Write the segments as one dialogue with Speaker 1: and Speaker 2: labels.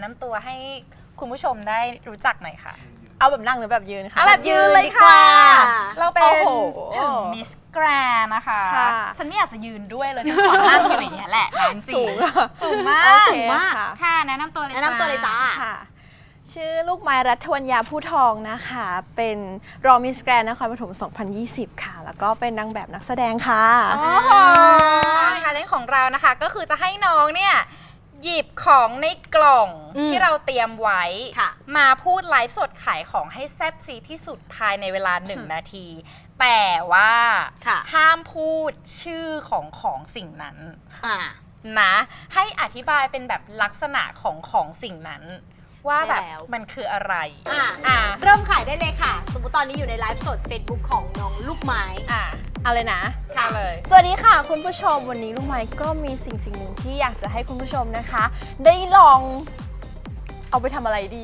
Speaker 1: นำตัวให้คุณผู้ชมได้รู้จักหน่อยค่ะ
Speaker 2: เอาแบบนั่งหรือแบบยืนคะ
Speaker 1: เอาแบบยืนเลยค่ะเราเป็นถึงมิสแกรนนะคะฉันไม่อยากจะยืนด้วยเลยฉันขอนั่งอยู่อย่างเงี้ยแหละจริงสูงมากค่ะแนะนำตัวเลย
Speaker 3: จ้า
Speaker 2: ค่ะชื่อลูกไม้รัฐวรรยาผู้ทองนะคะเป็นรองมิสแกรนด์นครปฐม 2020 ค่ะแล้วก็เป็นนางแบบนักแสดงค่ะ
Speaker 1: ชาเลนจ์ของเรานะคะก็คือจะให้น้องเนี่ยหยิบของในกล่องที่เราเตรียมไว้มาพูดไลฟ์สดขายของให้แซ่บซีที่สุดภายในเวลา1 นาทีแต่ว่าห้ามพูดชื่อของสิ่งนั้นนะให้อธิบายเป็นแบบลักษณะของสิ่งนั้นว่าแบบมันคืออะไร
Speaker 3: เริ่มขายได้เลยค่ะสมมติตอนนี้อยู่ในไลฟ์สด Facebook ของน้องลูกไม้
Speaker 2: เอาเลยนะ
Speaker 1: ค่ะเลย
Speaker 2: สวัสดีค่ะคุณผู้ชมวันนี้ลูกไม้ก็มีสิ่งหนึ่งที่อยากจะให้คุณผู้ชมนะคะได้ลองเอาไปทำอะไรดี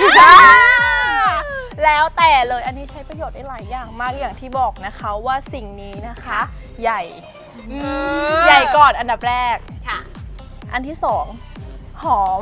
Speaker 2: แล้วแต่เลยอันนี้ใช้ประโยชน์ได้หลายอย่างมากอย่างที่บอกนะคะว่าสิ่งนี้นะคะใหญ่ก่อนอันดับแรกอันที่สองหอม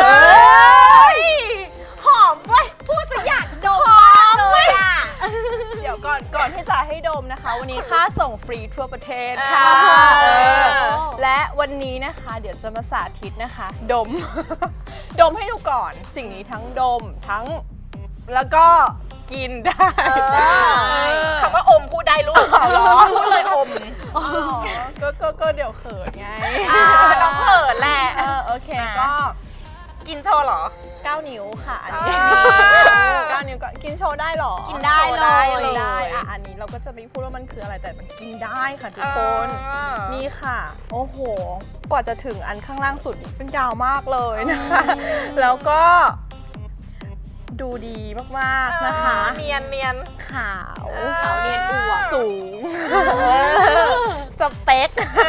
Speaker 3: หอมเว้ยพูดซะอยากดมเลย
Speaker 2: เดี๋ยวก่อนที่จะให้ดมนะคะวันนี้ค่าส่งฟรีทั่วประเทศค่ะและวันนี้นะคะเดี๋ยวจะมาสาธิตนะคะดมให้ดูก่อนสิ่งนี้ทั้งดมทั้งแล้วก็กินได้
Speaker 1: คำว่าอมพูดได้ลูกพูดเลยอม
Speaker 2: ก็เดี๋ยวเขินไง
Speaker 1: น้องเขินแหละ
Speaker 2: โอเคก็
Speaker 1: กินโชว์เหรอ
Speaker 2: 9 นิ้วค่ะอันนี้9 นิ้วก็กินโชว์ได้หรอ
Speaker 3: กินได้เลย
Speaker 2: ได้อันนี้เราก็จะไม่พูดว่ามันคืออะไรแต่มันกินได้ค่ะทุกคนนี่ค่ะโอ้โหกว่าจะถึงอันข้างล่างสุดเป็นยาวมากเลยนะคะแล้วก็ดูดีมากๆนะคะ
Speaker 1: เนียน
Speaker 2: ขาว
Speaker 3: เนียนอวบ
Speaker 2: สูงสเปค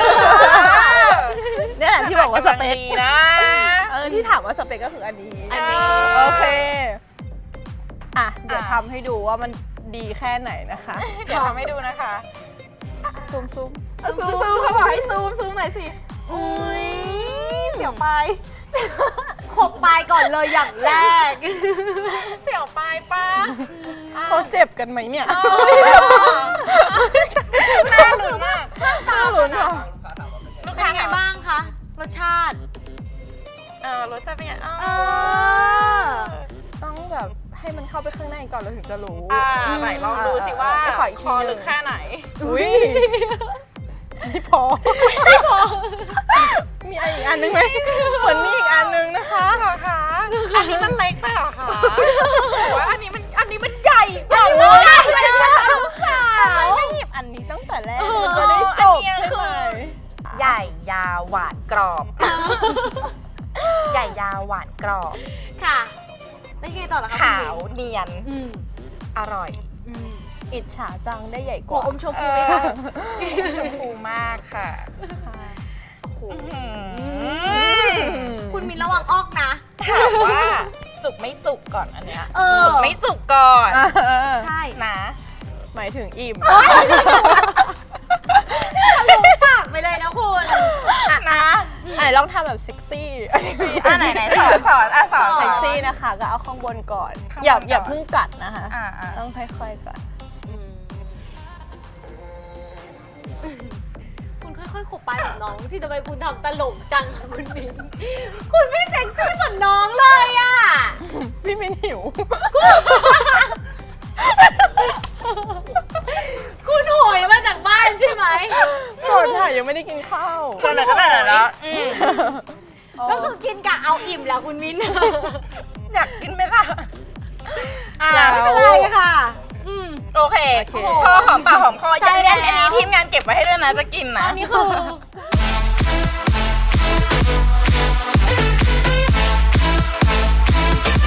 Speaker 2: นี่แหละที่บอกว่าสเปค
Speaker 1: นะ
Speaker 2: ที่ถามว่าสเปคก็คืออันนี้โอเคเดี๋ยวทำให้ดูว่ามันดีแค่ไหนนะคะ
Speaker 1: เดี๋ยวทำให้ดูนะคะ
Speaker 2: ซูม
Speaker 1: เขาบอกให้ซูมหน่อยสิ
Speaker 2: อุ้ย
Speaker 1: เสียวไป
Speaker 3: ขบปลายก่อนเลยอย่างแรก
Speaker 1: เสียวปลายป้า
Speaker 2: เขาเจ็บกันไหมเนี่ย
Speaker 1: น่าลุ้นมาก
Speaker 2: น่าลุ้นเหรอ
Speaker 3: เป็นยังไงบ้างคะรสชาติ
Speaker 1: รสชาติเป็นไง
Speaker 2: ต้องแบบให้มันเข้าไปข้างในก่อนเราถึงจะรู้
Speaker 1: ไหนลองดูสิว่าคอลึกแค่ไหน
Speaker 2: อุ้ยไม่พอมีอีกอันนึงไหมเหมือนมีอีกอันนึงนะคะ
Speaker 1: อันนี้มันเล็กไปหรอคะว่าอันนี้มันใหญ่กว่า
Speaker 2: เลยไม่หยิบอันนี้ตั้งแต่แรกมันจะได้จบใช่ไหม
Speaker 1: ใหญ่ยาวหวานกรอบใหญ่ยาวหวานกรอบ
Speaker 3: ค่ะแล้วยังไงต่อล่ะคะ
Speaker 1: ขาวเนียนอร่อย
Speaker 2: อิจฉาจังได้ใหญ่กว่า
Speaker 3: อมชมพูเลยค่ะ
Speaker 1: ชมพูมากค่ะ
Speaker 3: คุณมินระวังออกนะ
Speaker 1: ถามว่าจุกไม่จุกก่อนอันเนี้ยจุกไม่จุกก่อน
Speaker 3: ใช่
Speaker 1: นะ
Speaker 2: หมายถึงอิ่ม
Speaker 3: ปากไปเลยนะคุณ
Speaker 1: นะ
Speaker 2: ลองทำแบบเซ็กซี่
Speaker 1: ไหนสอน
Speaker 2: เซ็กซี่นะคะก็เอาข้างบนก่อนอย่าเพิ่งกัดนะคะต้องค่อยๆก่อน
Speaker 3: คุณค่อยๆขบปลายกับน้องที่ทำไมคุณทำตลกจังคะคุณมินคุณไม่เซ็กซี่เหมือนน้องเลยอ่ะ
Speaker 2: พี่มินหิว
Speaker 3: คุณโหยมาจากบ้านใช่ไหม
Speaker 2: ก่อนค่ะยังไม่ได้กินข้าว
Speaker 1: ตอนไหนก็ได้แล้ว
Speaker 3: ก็คือกินกะเอาอิ่มแล้วคุณมิน
Speaker 1: อยากกินไหมล่ะ
Speaker 3: ไม่เป็นไรค่ะ
Speaker 1: โอเคพอหอมปากหอมคออันนี้ทีมงานเก็บไว้ให้ด้วยนะจะกินนะ
Speaker 3: อันนี้คือ